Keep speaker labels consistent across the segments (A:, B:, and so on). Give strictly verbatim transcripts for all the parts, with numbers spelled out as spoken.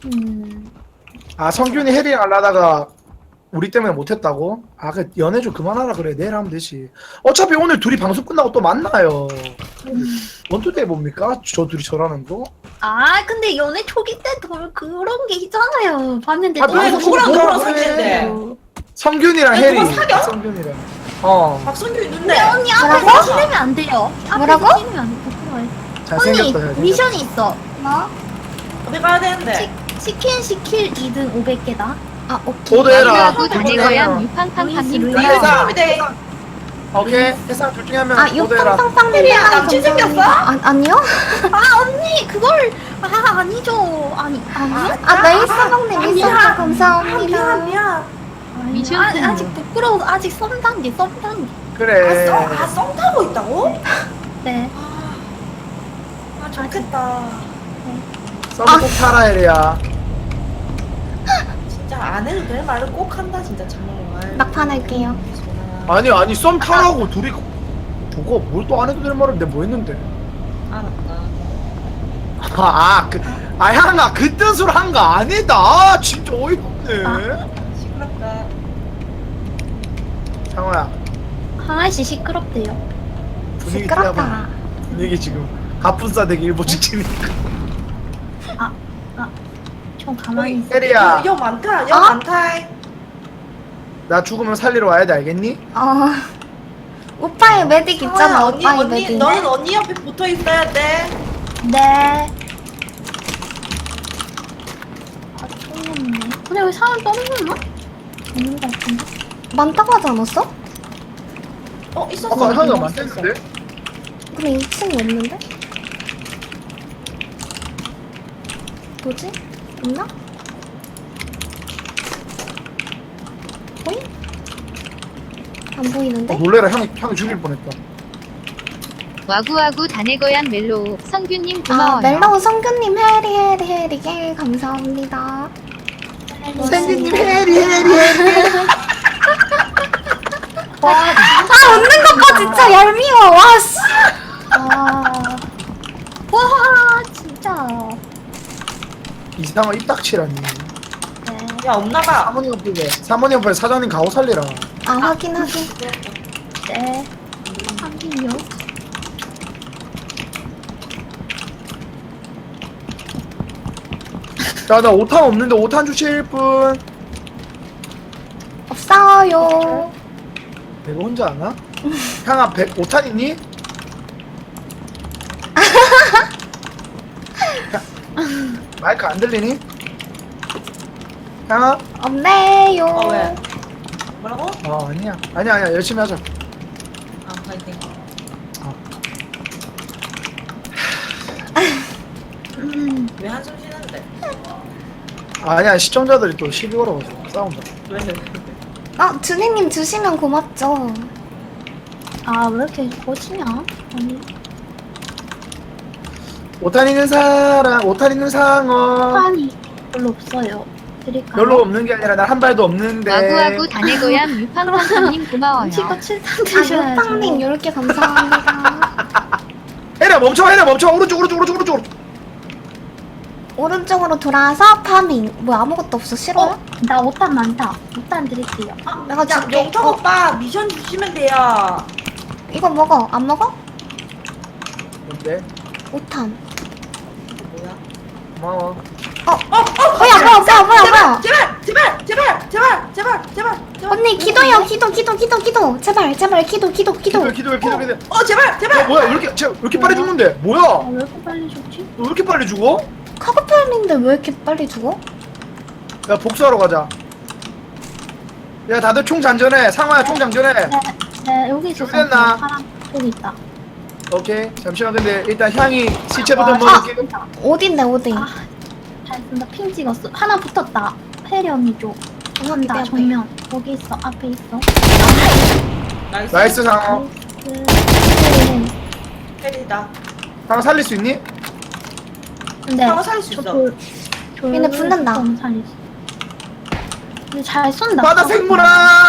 A: 음.
B: 아 성균이 해리랑 하려다가 우리 때문에 못했다고? 아 그 연애 좀 그만하라 그래. 내일 하면 되지. 어차피 오늘 둘이 방송 끝나고 또 만나요. 원투데이 뭡니까? 저 둘이 저라는 거?
A: 아 근데 연애 초기 때 더 그런 게 있잖아요. 봤는데
B: 아,
A: 너무
B: 그래,
C: 누구랑
B: 뭐,
C: 누구랑
B: 그래.
C: 사귀는데?
B: 성균이랑
C: 야,
B: 해리.
C: 누가 사겨?
B: 성균이랑. 어.
C: 박성규 있는데.
A: 근데 언니 앞에서
D: 뭐라고?
A: 찍으면 안 돼요.
D: 뭐라고?
A: 앞에서 찍으면 안 돼. 부끄러워요.
B: 잘생겼다.
A: 언니
B: 잘생겼다.
A: 미션이 있어.
D: 뭐?
C: 어디 가야 되는데?
A: 치, 치킨 시킬 이 등 오백 개다.
D: 아 오케이.
B: 도대라.
E: 마구하고 다네거양 유팡팡팡님
A: 루이.
E: 고마워요.
C: 사람이 돼.
B: 오케이. 해상 둘 중에 한 명.
D: 아
B: 도대라.
D: 육팡팡팡님이랑
C: 남친 생겼어?
D: 아, 아니요?
A: 아 언니 그걸 아 아니죠. 아니 아니.
D: 아 네이스방님
A: 아니야.
D: 있어서
C: 아,
D: 감사합니다.
C: 미안 미안.
E: 미션
A: 아,
E: 승리.
A: 아직 부끄러워. 아직 썸 단계 썸 단계.
B: 그래.
C: 아, 썸, 아, 썸 타고 있다고?
A: 네.
C: 아, 아 좋겠다.
B: 썸꼭 타라 해리야.
C: 진짜 안 해도 될 말을 꼭 한다 진짜 정말.
D: 막판 할게요.
B: 아니 아니 썸 타라고 둘이 저거 뭘 또 안 해도 될 말을 내가 뭐 했는데?
C: 알았다.
B: 아그 아 향아 그 뜻으로 한 거 아니다. 아, 진짜 어이없네.
C: 시끄럽다.
B: 상호야
A: 하나씩 시끄럽대요.
B: 분위기
D: 시끄럽다.
B: 띄워봐. 분위기 지금 가뿐싸 되기 일보 직전이니까.
A: 좀 가만히 있어.
B: 해리야
C: 여 많다. 여
D: 어?
C: 많다.
B: 나 죽으면 살리러 와야 돼 알겠니?
D: 어 오빠의 메딕 있잖아.
C: 언니
D: 오빠의
C: 언니
D: 메딕.
C: 너는 언니 옆에 붙어 있어야 돼.
A: 네. 아, 좀 없네. 근데 왜 사람 떨어졌나? 없는 것 같은데?
D: 많다고 하지 않았어?
C: 어 있었어.
B: 아까 향이가
C: 있었어.
B: 많댔는데?
D: 근데 이 층이 없는데? 뭐지? 없나? 보이? 안 보이는데?
B: 어, 놀래라 향이 향이 죽일 뻔했다.
E: 와구와구 다네거양 멜로우 성균님
D: 아
E: 고마워요.
D: 멜로우 성규님 해리 해리 해리 예 감사합니다.
B: 선생님 해리 해리 해리.
A: 와,
D: 아 웃는 것 봐 진짜 얄미워. 와 씨.
A: 아. 와, 진짜.
B: 이상한 입닥치라니.
A: 네.
C: 야 없나봐.
B: 사모님 옆에 사모님 옆에 사장님 가오 살리라.
D: 아 확인 확인.
A: 네. 하긴요.
B: 야나 오탄 없는데 오탄 주실 분.
D: 없어요.
B: 내가 혼자 아나? 향아 백 오탄 있니? 마이크 안 들리니? 향아?
D: 없네요.
C: 어 왜? 뭐라고?
B: 어 아니야 아니야 아니야 열심히 하자.
C: 아 파이팅.
A: 음.
C: 왜 한숨 쉬는데?
B: 아니야 시청자들이 또 시비 걸어가지고 싸운다.
C: 왜?
D: 아 준이님 주시면 고맙죠.
A: 아, 왜 이렇게 거치냐? 아니.
B: 오탄 있는 사람 오탄 있는 상어
A: 판이 별로 없어요. 드릴까요?
B: 별로 없는 게 아니라 난 한 발도 없는데.
E: 와구와구 다네거양 유팡팡팡님 고마워요.
A: 치고 칠탄
D: 아
A: 드셔야죠.
D: 육빵님 이렇게 감사합니다.
B: 해라 멈춰 해라 멈춰 오른쪽 오른쪽 오른쪽 오른쪽.
D: 오른쪽으로 돌아서 파밍. 뭐 아무것도 없어 싫어요?
A: 어? 나 오탄 많다. 오탄 드릴게요.
C: 아,
D: 내가
C: 야,
D: 줄게.
C: 영탁
D: 어.
C: 오빠 미션 주시면 돼요.
D: 이거 먹어. 안 먹어?
B: 뭔데?
D: 오탄.
C: 뭐야?
B: 고마워.
D: 어, 어, 뭐야, 뭐야, 뭐야, 뭐야, 뭐야.
C: 제발, 제발, 제발, 제발, 제발, 제발, 제발.
D: 언니 기도요, 기도, 기도, 기도, 기도. 제발, 제발, 기도, 기도, 기도.
B: 기도해 기도해 기도해 기도해.
C: 어, 제발,
B: 야
C: 제발.
B: 뭐야 왜 이렇게 쟤왜 이렇게 빨리 죽는데? 뭐야?
A: 아,
B: 너
A: 왜 이렇게 빨리 죽지?
B: 왜 이렇게 빨리 죽어?
D: 카고팔인데 왜 이렇게 빨리 죽어?
B: 야 복수하러 가자. 야 다들 총 장전해. 상화야 총 장전해.
A: 네, 네, 여기 있어.
B: 준비됐나?
A: 사람 여기 있다.
B: 오케이 잠시만 근데 일단 향이 시체부터
A: 와,
B: 먹을게.
A: 진짜.
D: 어딘데, 어디?
A: 아, 잘 쓴다. 핑 찍었어. 하나 붙었다. 페리 언니 쪽. 간다.
D: 앞에, 앞에.
A: 정면. 거기 있어. 앞에 있어.
C: 나이스.
B: 나이스 상어.
A: 네. 네.
C: 헬이다.
B: 상어 살릴 수 있니?
A: 근데
C: 상어 살릴 수
A: 저
C: 있어.
A: 돌- 돌
D: 얘네 붙는다.
A: 좀 살릴 수- 근데 잘 쏜다.
B: 바다 생물아.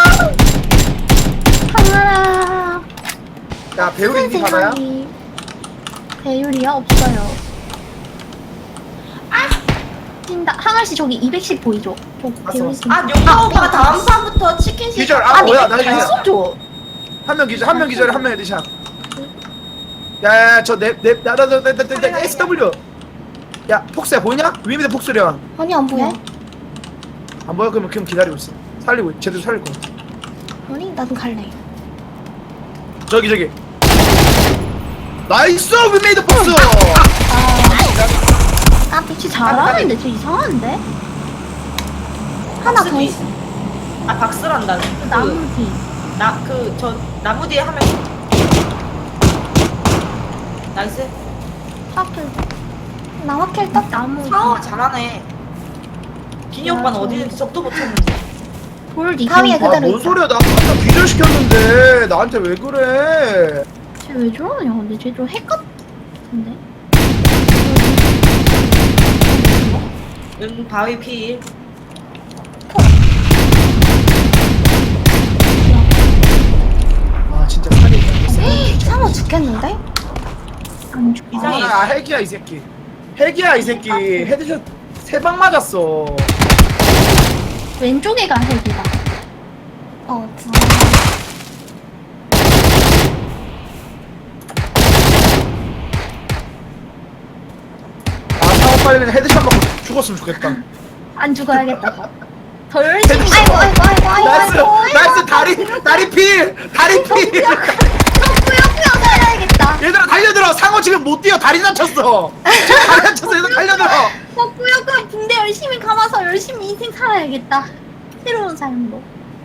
A: 하나.
B: 야 배우리 있니 바다야?
A: 배율이야 없어요. 뛴다. 항아씨 저기 이백십 보이죠? 저
B: 봤어.
A: 개울있음.
C: 아 용서 오빠가 다음 판부터 치킨 시.
B: 기절. 아 뭐야? 나
A: 잘
B: 기절.
A: 쏘죠.
B: 한명 기절, 한 명 기절에 한 명 헤드샷. 야야야 저냅냅 나나나나나 에스더블유. 야 폭스야 보이냐? 위에 밑에 폭스련.
D: 아니 안 보여.
B: 안 보여? 그러면 그럼 기다리고 있어. 살리고 있- 제대로 살릴 거.
D: 아니 나도 갈래.
B: 저기 저기. 나이스 위메이드 폭스.
D: 아
A: 쟤 잘하는데 쟤 이상한데?
D: 하나 더 있어.
C: 아 박스란다.
A: 그 나무 뒤.
C: 나그 저 나무 뒤에 한 명. 나이스.
A: 화풀.
D: 나 확킬 떴.
A: 나무
C: 상어
A: 뒤.
C: 잘하네. 기니 오빠는
A: 야,
C: 어디 있는지 적도 못했는데.
A: 돌 뒤.
D: 바위에 그대로
B: 아뭔
D: 있어.
B: 소리야? 나 아까 기절시켰는데 나한테 왜 그래?
A: 쟤왜 저러냐? 근데 쟤 좀 핵 같은데?
C: 응 바위 필.
B: 아 진짜 살리기 안
D: 상어 죽겠는데?
A: 안 죽어.
C: 이상해.
B: 아 핵이야 이 새끼. 핵이야 이 새끼. 헤드샷 세 방 맞았어.
A: 왼쪽에가 핵이다.
D: 어 진짜.
B: 아 상호 빨리 그냥 헤드샷 맞고 죽었으면 좋겠다.
A: 안 죽어야겠다. 더 열심히.
D: 아이고 아이고 아이고 아이고.
B: 나이스
D: 아이고.
B: 나이스 다리 다리 필 다리 필.
A: 뿌옇뿌옇 살아야겠다.
B: 얘들아 달려들어. 상호 지금 못 뛰어. 다리 다쳤어. 지금 다리 다쳤어. 얘들 달려들어.
A: 어, 뿌옇뿌옇 붕대 열심히 감아서 열심히 인생 살아야겠다. 새로운 삶으로.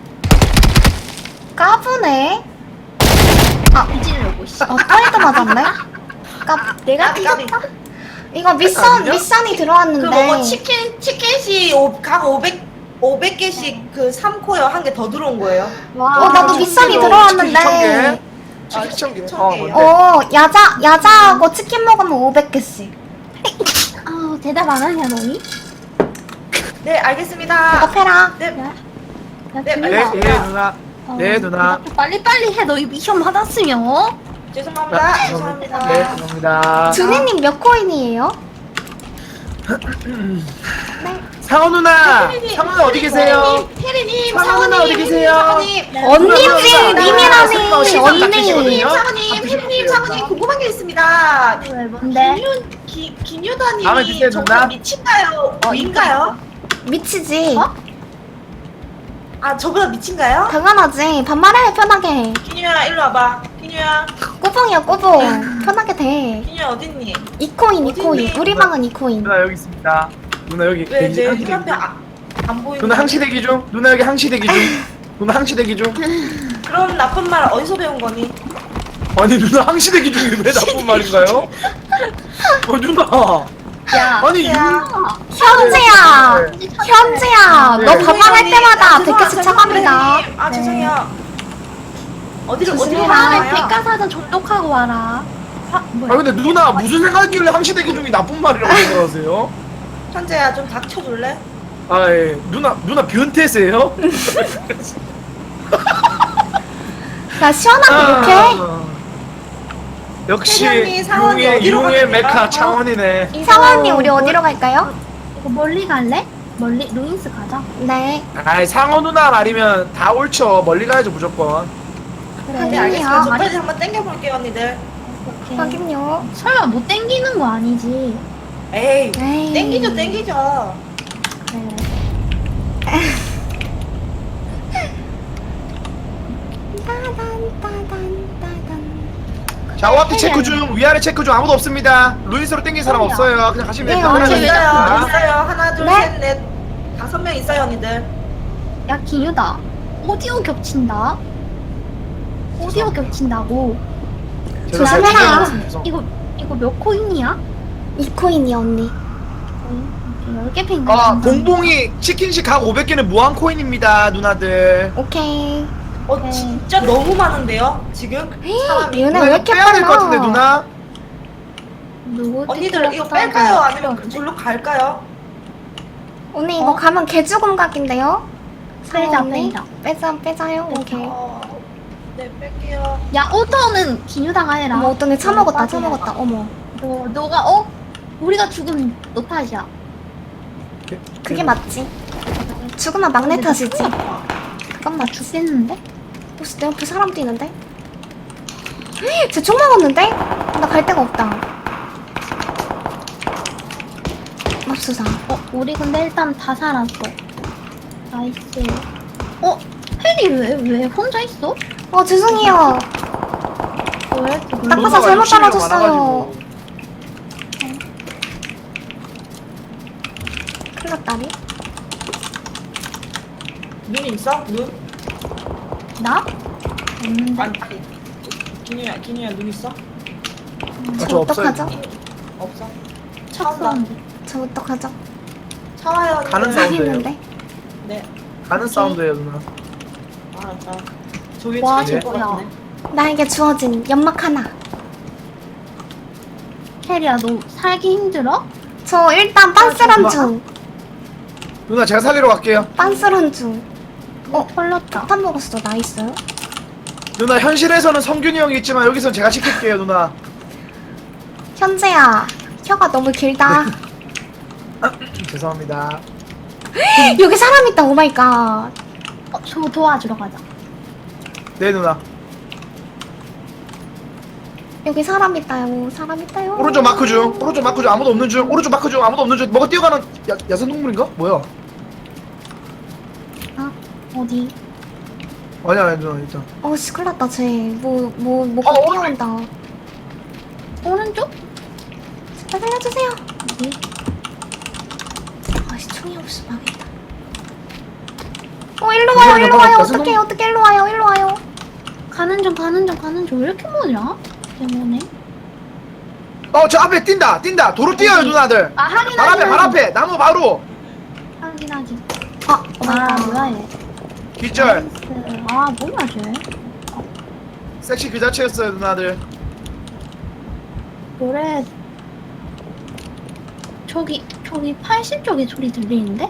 D: 까부네.
A: 아, 찌르려고, 씨.
D: 어 토이도 맞았네. 까
A: 내가
C: 까비, 까비.
A: 뒤졌다.
D: 이거 미션
B: 아니야?
D: 미션이
C: 그
D: 들어왔는데.
C: 뭐 치킨 치킨시 오, 각 오백 오백 개씩 그 삼 코어 한 개 더 들어온 거예요.
A: 와.
D: 어 나도
B: 아,
D: 미션이
B: 치킨
D: 들어왔는데.
B: 치킨 천 개.
C: 천
B: 어
C: 개.
B: 뭔데?
D: 어 야자 야자하고 치킨 먹으면 오백 개씩.
A: 아, 대답 안 하냐, 너니?
C: 네 알겠습니다.
D: 대답해라.
C: 네.
A: 야, 야,
C: 네,
A: 김민아.
B: 네, 네 누나.
A: 어,
B: 네 누나.
A: 대답 빨리빨리 해. 너 이 미션 받았으면. 어?
C: 죄송합니다.
B: 아,
C: 죄송합니다.
B: 네 감사합니다.
D: 준이님 몇 코인이에요?
B: 상호 누나. 상호 누나 어디 계세요?
C: 혜리님,
B: 상호 누나 어디 계세요?
C: 사모님,
D: 언니지 님이라니
B: 언니.
D: 언니.
C: 사모님, 혜리님, 사모님 궁금한 게 있습니다.
A: 왜, 뭔데?
C: 기뉴, 기,
B: 다음에
C: 기뉴다님이
B: 주세요,
C: 정말
B: 누나.
C: 미친가요?
A: 어,
C: 인가요?
D: 미치지.
A: 어?
C: 아 저보다 미친가요?
D: 당연하지. 반말해 편하게.
C: 기뉴야 일로 와봐. 기뉴야,
D: 꼬봉이야 꼬봉. 편하게 돼.
C: 기뉴야 어딨니?
D: 이 코인 이
C: 어딨니?
D: 코인. 우리 방은 이 코인.
B: 누나 여기 있습니다. 누나 여기
C: 왜
B: 대기
C: 내
B: 항시 대기
C: 눈앞에
B: 중.
C: 아, 안 보이는?
B: 누나 항시 대기 중. 누나 여기 항시 대기 중. 누나 항시 대기 중.
C: 그런 나쁜 말 어디서 배운 거니?
B: 아니 누나 항시 대기 중이 왜 나쁜 말인가요? 어 누나.
A: 야,
B: 아니
C: 야.
B: 윤.
D: 현지야.
B: 네.
D: 현지야.
B: 네.
D: 너 반말할
C: 언니,
D: 때마다
C: 아,
D: 백 개씩
C: 죄송합니다,
D: 차갑니다.
C: 혜리님. 아
A: 네.
C: 죄송해요. 어디를 어디로
D: 조심해라.
A: 다음에
C: 가나요?
A: 백과사전 접독하고 와라. 화,
B: 아
A: 뭐야?
B: 근데 누나 무슨 생각이길래 항시 대기 중이 나쁜 말이라고 생각하세요?
C: 현재야 좀 닥쳐줄래?
B: 아 예. 누나 누나 변태세요?
D: 야 시원하게 이렇게.
B: 아, 역시
C: 혜련이 상원이
B: 융의
C: 어디로
B: 융의
C: 가겠다?
B: 메카
C: 어?
B: 창원이네.
D: 상원이 우리 어디로 갈까요?
A: 이거 멀리 갈래? 멀리 루인스 가자.
D: 네.
B: 아이 상어 누나 말이면 다 옳죠. 멀리 가야죠 무조건.
A: 그래.
C: 네
D: 아니야.
C: 알겠습니다. 저까지 한번 땡겨볼게요 언니들.
A: 오케이.
D: 확인요.
A: 설마 못 땡기는 거 아니지?
C: 에이
D: 에이.
C: 땡기죠 땡기죠.
A: 그래.
D: 따단 따단 따단.
B: 좌우앞뒤 체크 중 위아래 체크 중 아무도 없습니다. 루이스로 땡긴 사람
A: 아니야.
B: 없어요. 그냥 가시면
D: 네,
B: 됩니다.
D: 언니.
B: 하나, 둘, 셋.
C: 있어요
B: 아,
C: 있어요. 하나 둘
D: 네?
C: 셋 넷 다섯 명 있어요 언니들.
A: 야, 기뉴다. 오디오 겹친다. 오디오 겹친다고.
B: 제가 잘
D: 조심해라.
B: 챙겨놨습니다. 죄송.
A: 이거 이거 몇 코인이야?
D: 이 코인이야 언니.
A: 열 개 팽.
B: 아 봉봉이 치킨식 각 오백 개는 무한 코인입니다 누나들.
D: 오케이.
C: 어
A: 네.
C: 진짜 너무 많은데요 지금 사람이.
D: 얘네
B: 누나
D: 왜
B: 이거
D: 이렇게
B: 빼야 될 것
D: 빨라?
B: 같은데 누나.
A: 누구?
C: 언니들 이거 뺄까요 아니면 저로 갈까요?
D: 언니 이거
A: 어?
D: 가면 개죽음 각인데요?
A: 빼자,
D: 상어 언니?
A: 빼자.
D: 빼자 빼자요. 오케이.
C: 어, 네 뺄게요.
A: 야, 오더는 기뉴다가 해라.
D: 어머 어떤 애 처먹었다
A: 빠지네.
D: 처먹었다. 어머.
A: 너 너가 어? 우리가 죽으면 너 탓이야.
D: 그게 맞지. 죽으면 막내 탓이지. 그건 맞지.
A: 죽겠는데?
D: 혹시 내 옆에 사람 뛰는데? 쟤 총 먹었는데? 나 갈 데가 없다. 맙수사.
A: 어, 우리 근데 일단 다 살았어. 나이스. 어, 혜리 왜, 왜 혼자 있어?
D: 어 죄송해요.
A: 왜 이렇게
D: 딱 봐서
B: 누나가
D: 잘못
B: 욕심이
D: 떨어졌어요.
B: 많아가지고.
D: 큰일 났다니.
C: 눈 있어? 눈?
A: 나? 없는데.
C: 아니 아니 기누야 기누야 눈 있어?
B: 아,
D: 저
B: 저 없어요.
D: 어떡하죠?
C: 없어.
A: 차 사운드.
D: 저 어떡하죠?
C: 차와요.
B: 가는
C: 언니.
B: 사운드.
D: 여기 있는데?
C: 네.
B: 가는 사운드예요 누나.
C: 알았어. 저기
A: 와,
C: 차질 것
A: 저거야.
C: 같은데.
D: 나에게 주어진 연막 하나.
A: 혜리야, 너 살기 힘들어?
D: 저 일단 빤스런 중.
B: 누나 제가 살리러 갈게요.
D: 빤스런 중.
A: 어, 털렸다.
D: 폭탄 먹었어. 나이스.
B: 누나 현실에서는 성균이 형이 있지만 여기선 제가 시킬게요 누나.
D: 현재야. 혀가 너무 길다.
B: 죄송합니다.
D: 여기 사람 있다. 오마이갓.
A: 어, 저 도와주러 가자.
B: 네 누나.
D: 여기 사람 있다요. 사람 있다요.
B: 오른쪽 마크 중. 오른쪽 마크 중 아무도 없는 중. 오른쪽 마크 중 아무도 없는 중. 뭐가 뛰어가는 야, 야생동물인가? 뭐야?
A: 어디?
B: 아니야 아니야 누나 일단.
D: 어씨 큰일 났다. 쟤. 뭐, 뭐, 뭐가
B: 어,
D: 뛰어온다.
A: 오른쪽?
D: 제발 살려주세요.
A: 어디?
D: 아씨 총이 없어. 망했다. 어 일로 와요.
B: 잠시만요,
D: 일로 와요.
B: 야생동-
D: 어떡해. 어떡해. 일로 와요. 일로 와요.
A: 가는 중, 가는 중, 가는 중. 왜 이렇게 멀냐? 때문에.
B: 어 저 앞에 뛴다 뛴다. 도로 뛰어요 누나들.
A: 아, 확인,
B: 발 앞에
A: 확인,
B: 발 앞에 나무 바로.
A: 확인, 확인.
D: 아
A: 아,
D: 오마이갓.
A: 뭐야, 얘.
B: 기절.
A: 나이스. 아, 뭐야, 쟤.
B: 섹시 그 자체였어요 누나들.
A: 노래. 저기, 저기 팔십 쪽에 소리 들리는데?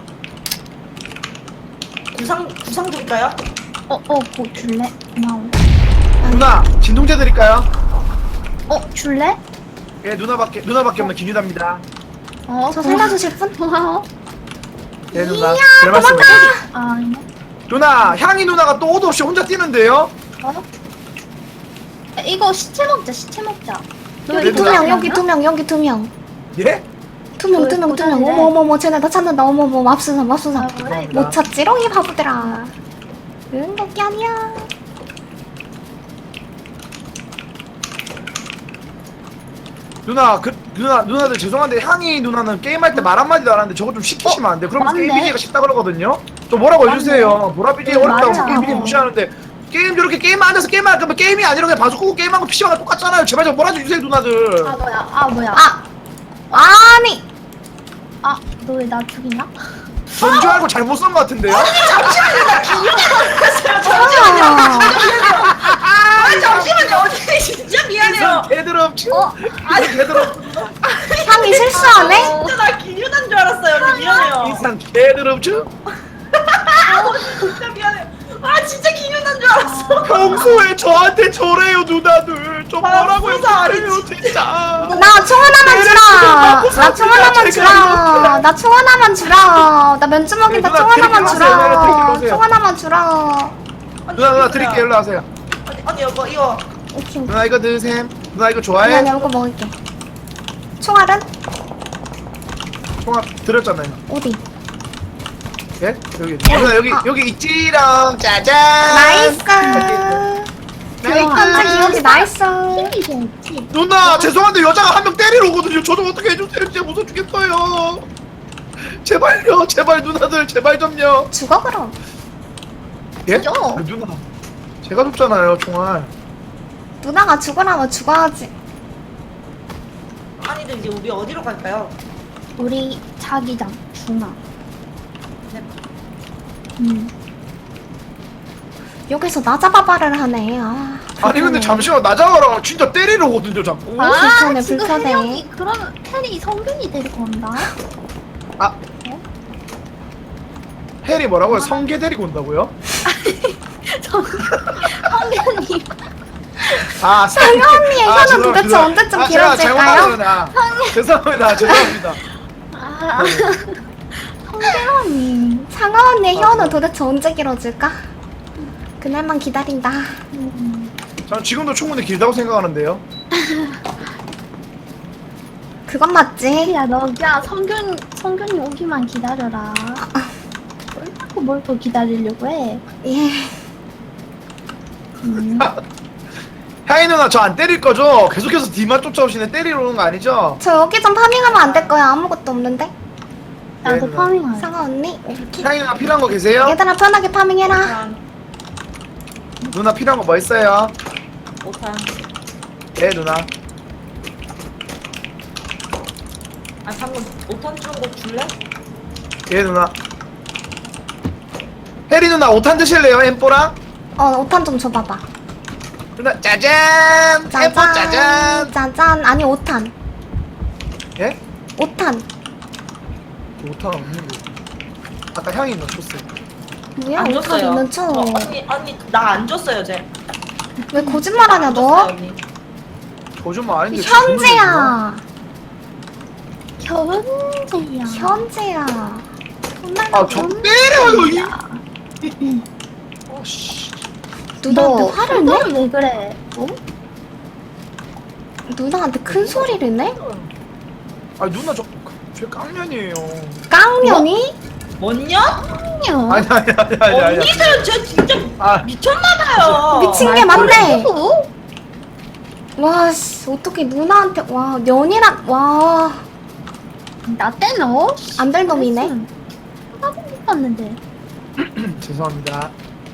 C: 구상 구상 드릴까요?
A: 어, 어, 뭐 줄래? 고마워.
B: 누나 진통제 드릴까요?
A: 어, 줄래?
B: 예 누나밖에 누나밖에 없는 김유다입니다.
A: 어,
D: 저 살려주실 분?
A: 고마워.
B: 네 누나. 별 말씀.
A: 아, 이거.
B: 누나 향이 누나가 또 옷 없이 혼자 뛰는데요?
A: 어? 이거 시체 먹자, 시체 먹자. 너
B: 네,
A: 이거
D: 두
B: 누나.
D: 명 여기 두 명 여기 두 명.
B: 예?
D: 두 명
A: 그
D: 두 명 두 명.
A: 고자인데.
D: 어머 어머 어머 쟤네 다 찾는다. 어머 어머 맙수사 맙수사.
A: 아, 뭐야, 이거.
D: 못 찾지롱 이 바보들아. 응 거기 아니야.
B: 누나 그 누나 누나들 죄송한데 향이 누나는 게임할 때 말 한마디도 안 하는데 저거 좀 시키시면 안 돼? 그러면
A: 맞네.
B: 게임 비디오가 쉽다 그러거든요? 좀 뭐라고 해주세요. 보라 비디오
A: 네,
B: 어렵다고
A: 맞아.
B: 게임 비디오 무시하는데 게임 저렇게 게임만 앉아서 게임만 할 거면 게임이 아니라 그냥 방송 끄고 게임하고 피시방 똑같잖아요. 제발 좀 뭐라 좀 해주세요 누나들.
A: 아, 뭐야, 아, 뭐야.
D: 아 아니.
A: 아, 너 왜 나 죽이냐?
B: 전줄 알고 잘못 쓴 것 같은데요?
D: 아,
C: 아 잠시만요. 언니 진짜 미안해요.
B: 개드럽 치
A: 어?
B: 아니 개드럽
D: 향이 실수하네?
C: 진짜 나 기뉴단 줄 알았어요. 언니 미안해요.
B: 이상 개드럽 치
C: 진짜 미안해요. 아 진짜 기뉴단 줄 알았어.
B: 평소에 저한테 저래요 누나들. 좀
C: 아,
B: 뭐라고
C: 진짜
B: 해주세요 진짜.
D: 나 총 하나만 주라.
B: 먹고
D: 나 총 하나만
B: 제가
D: 주라. 나 총 하나만 주라. 나 면주먹인다.
B: 네,
D: 총
B: 누나,
D: 하나만
B: 드릴게요.
D: 주라.
B: 드릴게요.
D: 총 하나만 주라.
B: 누나 누나 드릴게요 일로 와세요.
C: 언니, 언니 이거 이거
D: 오케이 오케이.
B: 누나 이거 드셈. 누나 이거
D: 아니
B: 좋아해?
D: 아니 이거 먹을게. 총알은
B: 통합 드렸잖아요.
D: 어디?
B: 예? 여기 누나 여기
D: 아.
B: 여기 있지랑 짜잔.
D: 나이스.
B: 나이스.
D: 완전 기억이 나이스.
A: 힘이 좋지.
B: 누나 죄송한데 여자가 한 명 때리러 오거든요. 저 좀 어떻게 해주세요. 진짜 무서워 죽겠어요. 제발요, 제발 누나들 제발 좀요.
D: 죽어 그럼.
B: 예?
A: 죠.
B: 아, 누나 제가 줬잖아요 총알.
D: 누나가 죽으라면 죽어야지.
C: 아니들 이제 우리 어디로 갈까요?
A: 우리 자기장, 중앙.
C: 네.
A: 음.
D: 여기서 나 잡아봐를 하네. 아.
B: 아니 근데
D: 불편해.
B: 잠시만 나자가라 진짜 때리러 오거든요 자꾸.
D: 아, 불편해,
A: 지금
D: 불편해.
A: 혜령이, 그러면 혜리 성균이 데리고 온다.
B: 아 해리 뭐라고요? 성게 데리고 온다고요?
A: 성균이.
B: 아
D: 성게 언니의 혀는
B: 죄송합니다.
D: 도대체 언제쯤
B: 아, 제가
D: 길어질까요?
B: 잘못하구나. 죄송합니다 죄송합니다.
A: 아, 상대라니.
D: 상아 언니의
B: 아,
D: 혀는
B: 그래.
D: 도대체 언제 길어질까? 그날만 기다린다.
A: 음.
B: 저는 지금도 충분히 길다고 생각하는데요.
D: 그건 맞지?
A: 야, 너, 야, 성균, 성균이 오기만 기다려라. 뭘 자꾸 뭘 또 기다리려고 해.
D: 예.
A: 음.
B: 향이 누나 저 안 때릴 거죠? 계속해서 뒤만 쫓아오시네. 때리러 오는 거 아니죠?
D: 저 여기 좀 파밍하면 안 될 거야. 아무것도 없는데.
A: 나도
B: 네,
A: 파밍할.
D: 상아 언니 이렇게.
B: 향이 누나 필요한 거 계세요?
D: 얘들아 편하게 파밍해라.
C: 오탄
B: 누나 필요한 거 뭐 있어요?
C: 오탄
B: 네 누나.
C: 아 방금 오탄 주는 거 줄래?
B: 예 누나. 혜리 누나 오탄 드실래요? 엠뽀랑?
D: 어 오탄 좀 줘봐봐.
B: 누나 짜잔! 엠뽀
D: 짜잔.
B: 짜잔!
D: 짜잔. 아니 오탄.
B: 예?
D: 오탄.
B: 오탄 없는 거. 아까 향이 누나 줬어요.
D: 뭐야
C: 안
D: 오탄
C: 줬어요.
D: 있는 척.
C: 어, 언니 언니 나 안 줬어요 쟤.
D: 왜 거짓말하냐
C: 안
D: 너?
C: 줬어요, 언니.
B: 거짓말 아닌데. 진짜
D: 현재야.
A: 현재야.
D: 현재야.
B: 아, 저 때려요, 이. 아씨.
D: 누나한테 화를 내?
A: 왜 그래? 어?
D: 누나한테 큰 소리를 내?
B: 아 누나 저, 제 깡년이에요.
D: 깡년이?
C: 뭔 년?
A: 아니요.
B: 아니 아니 아니 아니 아니.
C: 언니들 저 진짜
B: 아
C: 미쳤나봐요.
D: 미친 게 맞네.
A: 어?
D: 와씨 어떻게 누나한테 와 년이란 와안
A: 나 때는
D: 될 놈이네.
A: 하고 싶었는데.
B: 죄송합니다.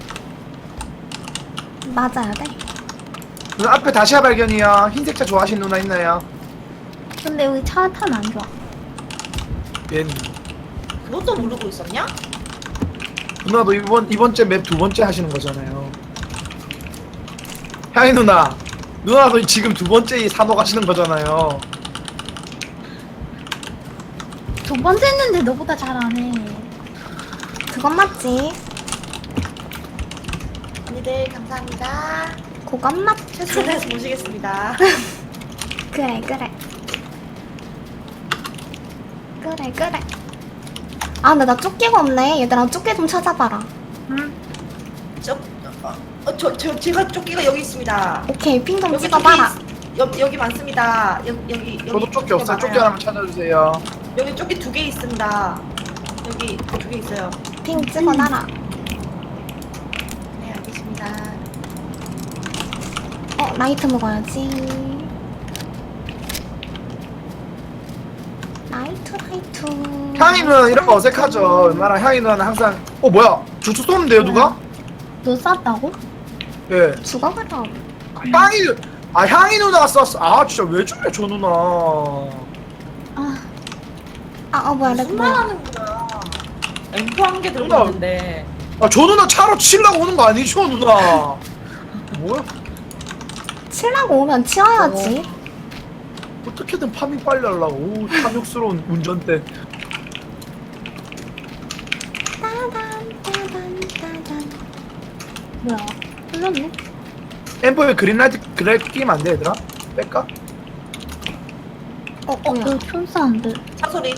D: 맞아야 돼.
B: 누나 앞에 다시아 발견이요. 흰색 차 좋아하시는 누나 있나요?
A: 근데 여기 차 타면 안 좋아.
B: 예.
C: 그것도 모르고 있었냐?
B: 누나도 이번 이번째 맵 두 번째 하시는 거잖아요. 향이 누나, 누나도 지금 두 번째 이 산호 가시는 거잖아요.
A: 두 번째 했는데 너보다 잘하네.
D: 그건 맞지.
C: 언니들 감사합니다.
D: 그건 맞지.
C: 최선을 다해서 모시겠습니다.
D: 그래 그래. 그래 그래. 아 근데 나 조끼가 없네. 얘들아 조끼 좀 찾아봐라.
C: 저, 어, 어, 저, 저 제가 조끼가 여기 있습니다.
D: 오케이 핑 좀
C: 여기
D: 찍어봐라.
C: 조끼 있- 여, 여기 많습니다. 여기 여기
B: 저도
C: 여기
B: 조끼 없어요.
C: 많아요.
B: 조끼 하나만 찾아주세요.
C: 여기 조끼 두 개 있습니다. 여기 두 개 있어요.
D: 핑 찍어놔라.
C: 네 알겠습니다.
D: 어 라이트 먹어야지. 라이트 라이트.
B: 향이 누나 이런 거 어색하죠. 얼마나 향이 누나는 항상 어 뭐야 주초 쏘는데요 누가?
A: 너 쌌다고?
B: 예.
D: 죽어 그럼.
B: 향이 아 향이 누나가 쐈어. 아 진짜 왜 저래 저 누나.
A: 아,
D: 아 어 뭐야 렉
C: 무슨
D: 뭐야.
C: 말 하는 거야? 엠프 한 개 들고
B: 누나.
C: 있는데.
B: 아 저 누나 차로 치려고 오는 거 아니죠 누나? 뭐야?
D: 칠라고 오면 치워야지.
B: 어떻게든 파밍 빨리 하려고. 오 탐욕스러운 운전대.
D: 따단 따단 따단.
A: 뭐야. 흘렀네?
B: 엠포에 그린라이트 그래 끼면 안 돼 얘들아? 뺄까?
D: 어
A: 어,
D: 뭐야.
A: 그 총사운드.
C: 차 소리.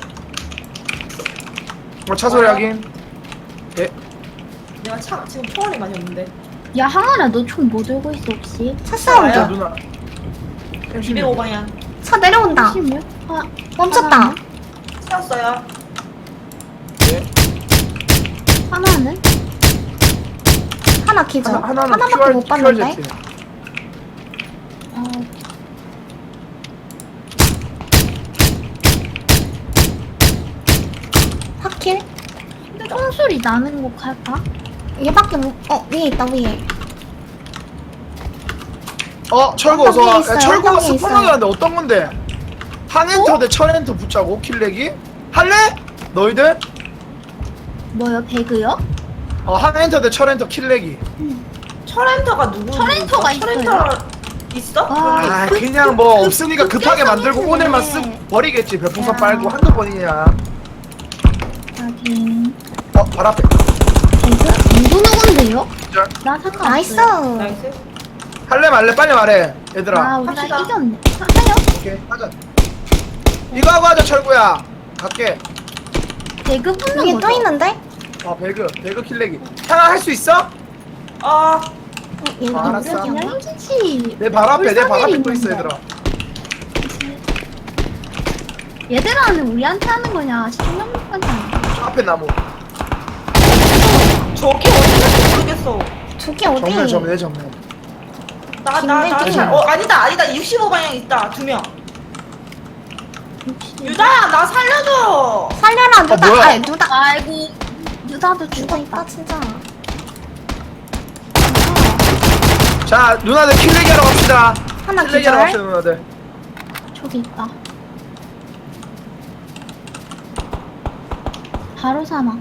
B: 뭐 차소리 하긴. 예.
C: 내가 차 지금 총알이 많이 없는데.
A: 야, 항아라, 너 총 뭐 들고 있어, 혹시?
D: 차 사운드.
B: 자 누나.
C: 이백오 방향.
D: 차 내려온다.
A: 십육? 아,
D: 멈췄다.
C: 세웠어요.
B: 네.
A: 하나는?
D: 하나 기절.
B: 하나 하나는
D: 하나밖에
B: 큐알
D: 못 봤는데.
B: 큐알제트.
A: 어,
D: 확킬?
A: 근데 총소리 나는 곳 갈까?
D: 얘밖에 못. 어 위에 있다 위에.
B: 어 철구
D: 어떤 게
B: 어서 와.
D: 있어요?
B: 야, 철구가
D: 어떤 게
B: 스폰하게
D: 있어요?
B: 하는데 어떤 건데? 한엔터 대 철엔터 붙자고 킬내기? 할래? 너희들?
A: 뭐요, 배그요?
B: 어 한엔터 대 철엔터 킬내기.
C: 철엔터가 누구?
A: 철엔터가
C: 철엔터 있어?
A: 와.
B: 아
A: 그-
B: 그냥
A: 그-
B: 뭐
A: 그-
B: 없으니까
A: 그
B: 급하게 만들고
A: 껴서
B: 오늘만
A: 있네.
B: 쓰고 버리겠지. 별풍선
A: 야.
B: 빨고 한두 번이냐.
A: 하긴.
B: 어 바로 앞에.
A: 배그? 누구 누군데요?
B: 기절.
A: 나 상관없어.
D: 나이스.
C: 나이스.
B: 할래 말래 빨리 말해 얘들아.
A: 아, 우리가
C: 합시다.
A: 이겼네. 하- 하요?
B: 오케이 하자. 이거 하고 하자 철구야. 갈게.
A: 배그 붙는
D: 위에
A: 거죠?
D: 또 있는데?
B: 어 배그 배그 킬레기. 향아 할 수 있어?
C: 어
D: 어, 얘
B: 아, 알았어.
D: 여기야?
A: 그냥 힘주지.
B: 내 발 앞에 내 발 앞에
A: 불쌍해
B: 또 있어
A: 있는데.
B: 얘들아.
A: 얘들아는 우리한테 하는 거냐? 시청자분한테 하는 거야?
B: 저 앞에 나무.
C: 저기 어디인지 모르겠어.
D: 저기 어디?
B: 정면 정면 정면.
C: 나 나 나
D: 김대중.
C: 어 아니다 아니다 육십오 방향 있다 두 명. 유다야 나 살려줘.
D: 살려라 누다.
B: 뭐야?
D: 아 누다.
A: 아이고 유다도
D: 죽었다
A: 죽어있다.
D: 진짜.
B: 자 누나들 킬레기 하러 갑시다.
D: 하나
B: 킬레기 하러 갑시다
D: 기절.
B: 누나들.
A: 저기 있다. 바로 사망.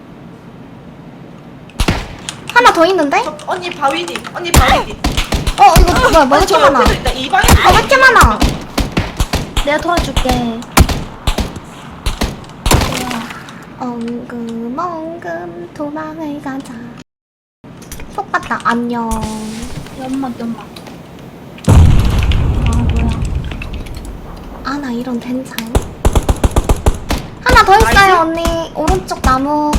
D: 하나 더 있는데?
C: 저, 언니 바위 뒤 언니 바위 뒤.
D: 어 이거 뭐야 뭐
C: 아니,
D: 이렇게
C: 저
D: 많아?
C: 옆에도 있다 이 방향.
D: 아 왜 이렇게 많아?
A: 내가 도와줄게.
D: 엉금엉금 도망을 가자. 속 봤다. 안녕.
A: 연막 연막. 아 뭐야?
D: 아 나 이런 된장. 하나 더 있어요 언니. 오른쪽 나무.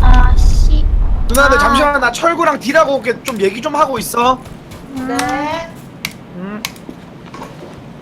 A: 아씨.
B: 누나들
D: 아.
B: 잠시만 나 철구랑 딜하고 올게. 좀 얘기 좀 하고 있어.
C: 네.